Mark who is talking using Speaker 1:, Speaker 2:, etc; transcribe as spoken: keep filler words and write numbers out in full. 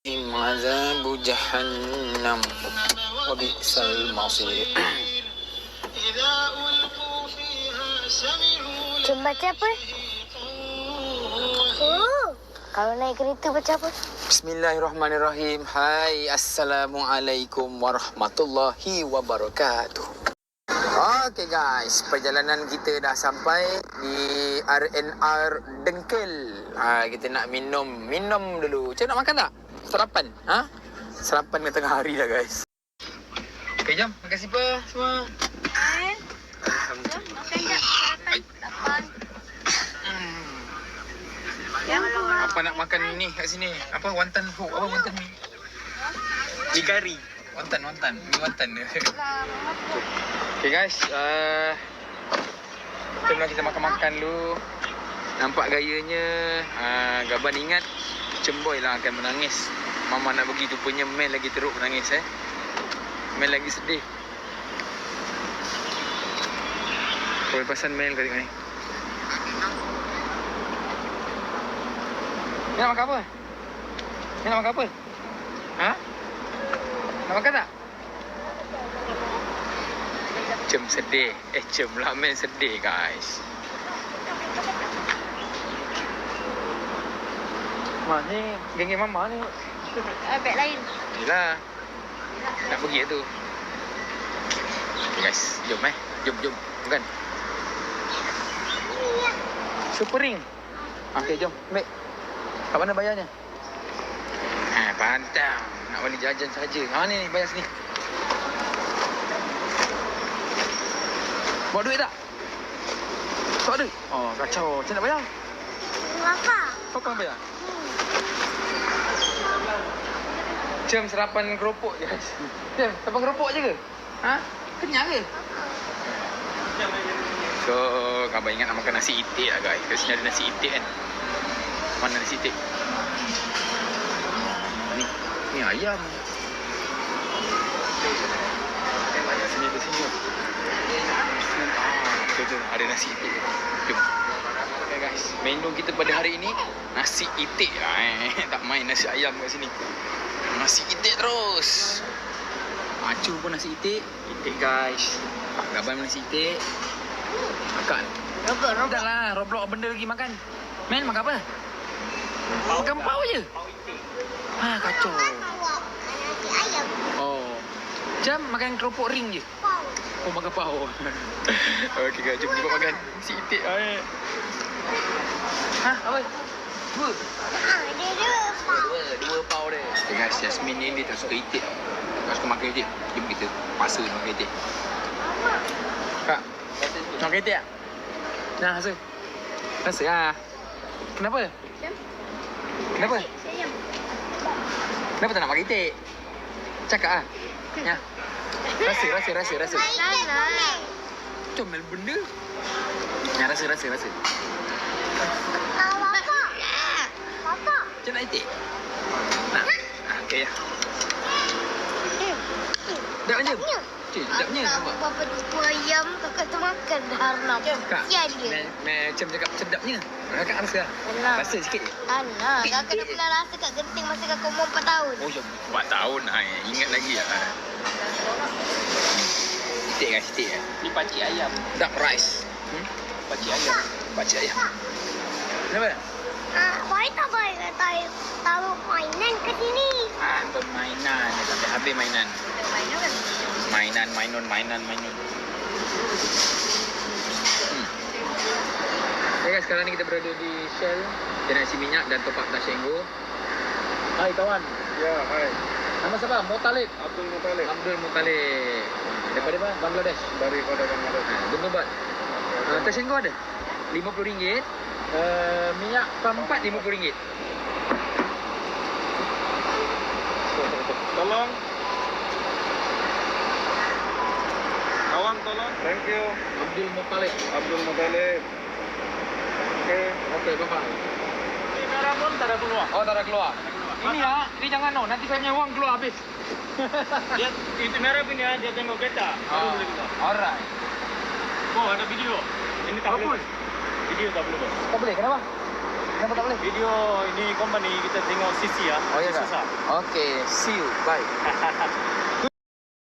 Speaker 1: عذاب جهنم وبئس المصير.
Speaker 2: Cuma baca apa? Oh, kalau naik kereta baca apa?
Speaker 1: Bismillahirrahmanirrahim. Hai, Assalamualaikum warahmatullahi wabarakatuh. Okey guys, perjalanan kita dah sampai di R and R Dengkel. Ha, kita nak minum, minum dulu. Cik nak makan tak? Sarapan? Ha? Sarapan tengah hari dah guys. Okey, jom. Makan siapa semua?
Speaker 2: Eh, jom makan jap. Sarapan. Lapan.
Speaker 1: Hmm.
Speaker 2: Yang
Speaker 1: Apa nak makan ni kat sini? Apa? Wonton hook? Apa wonton ni? Mi kari. Wonton, wonton. Mi wonton dia. Okay guys, uh, jom lah kita makan-makan dulu. Nampak gayanya, uh, Gaban ingat Cemboy lah akan menangis. Mama nak pergi tu punya Mel lagi teruk menangis eh. Mel lagi sedih. Pelepasan Mel kali ni. Ni nak makan apa? Ni nak makan apa? Ha? Nak makan tak? Cem sedih. Eh, Cem lah Mel sedih guys. Mak ni, geng-geng mama ni.
Speaker 2: uh, beg lain.
Speaker 1: Yelah. Nak pergi tu. Okay guys, jom eh. Jom, jom. Bukan. Super ring. Okay, jom. Ambil. Kat mana bayarnya? Ha, pantang. Nak balik jajan saja. Ha, ni, ni bayar sini. Bawa duit tak? Tak ada? Oh, kacau. Macam nak bayar?
Speaker 2: Apa?
Speaker 1: Kau kan bayar? Cem serapan keropok je guys. Cem, serapan keropok je ke? Ha? Kenyang ke? So, Abang ingat nak makan nasi itik lah guys. Kat sini ada nasi itik kan. Mana nasi itik? Ni, ni ayam. Sini ke sini. Ah, betul tu. Ada nasi itik. Jom. Okay guys, menu kita pada hari ini nasi itik lah eh. Tak main nasi ayam kat sini. Nasi itik terus. Acu pun nasi itik. Itik guys. Gaban nasi itik. Makan.
Speaker 2: Robot, robot.
Speaker 1: Dah lah, Roblox benda lagi makan. Men, makan apa? Makan pau je. Ha, kacau.
Speaker 2: Nasi ayam.
Speaker 1: Oh. Jam makan keropok ring je.
Speaker 2: Pau.
Speaker 1: Oh, makan pau. Okey guys, jom kita makan nasi itik. Ay. Ha, apa? Dua.
Speaker 2: Ah, dia dua pau.
Speaker 1: Dua, dua pau dia. Okay guys, Yasmin ni dia tak suka itik. Tak suka makan itik. Jom kita paksa makan itik. Kak, nak makan itik tak? Nah, rasa. Rasa lah. Kenapa?
Speaker 2: Jom.
Speaker 1: Kenapa?
Speaker 2: Sayang.
Speaker 1: Kenapa tak nak makan itik? Cakap lah. Ya. Rasa, rasa, rasa, rasa.
Speaker 2: Sana.
Speaker 1: Comel benda. Ya, rasa, rasa, rasa.
Speaker 2: Bapak. Bapak.
Speaker 1: Macam nak itik? Nak? Ah, okey ya. Sedap je. Cik, sedapnya. Nampak?
Speaker 2: Bapak tu ayam, kakak tu makan dah Arnab.
Speaker 1: Kak,
Speaker 2: Sial dia.
Speaker 1: me- macam cakap sedapnya. Kakak rasa lah.
Speaker 2: Alah.
Speaker 1: Rasa sikit je.
Speaker 2: Anak, kakak dah pernah rasa kat genting masa kakak umur empat tahun.
Speaker 1: Oh, jom. empat tahun. Ay, ingat lagi lah. Itik kan, itik kan.
Speaker 3: Ni pakcik ayam.
Speaker 1: Duck rice. Hmm?
Speaker 3: Pakcik ayam.
Speaker 1: Pakcik ayam. Kenapa?
Speaker 2: Ah, why tak boleh tahu tahu mainan ke sini?
Speaker 1: Ah, permainan. Sampai habis mainan.
Speaker 2: Mainan kan?
Speaker 1: Mainan, mainan, mainan, mainan. Hmm. Okay guys, sekarang ni kita berada di Shell. Kita nak isi minyak dan top up Tashengo. Hai kawan.
Speaker 3: Ya, hai.
Speaker 1: Nama siapa? Motalib.
Speaker 3: Abdul Muttalib.
Speaker 1: Abdul Muttalib. Daripada mana? Bangladesh.
Speaker 3: Daripada Bangladesh.
Speaker 1: Ha, Bentubat. Uh, Tashengo ada? lima puluh ringgit. Uh, minyak keempat lima puluh ringgit.
Speaker 3: Tolong. Kawan tolong. Thank you.
Speaker 1: Abdul Muttalib.
Speaker 3: Abdul Muttalib. Okey.
Speaker 1: Okey, bapa.
Speaker 3: Ini merah pun tak ada keluar.
Speaker 1: Oh, tak ada keluar. Ini ya, ini jangan no. Nanti saya punya wang keluar habis.
Speaker 3: Dia itu merah punya dia tengok kereta. Baru boleh keluar.
Speaker 1: Alright.
Speaker 3: Oh, ada video. Ini tak
Speaker 1: Apa
Speaker 3: boleh.
Speaker 1: pun?
Speaker 3: Video tak boleh. Bos.
Speaker 1: Tak boleh, kenapa? Kenapa tak boleh?
Speaker 3: Video ini company kita tengok C C ya.
Speaker 1: Oh ya kak?
Speaker 3: Susah.
Speaker 1: Okay, see you. Bye.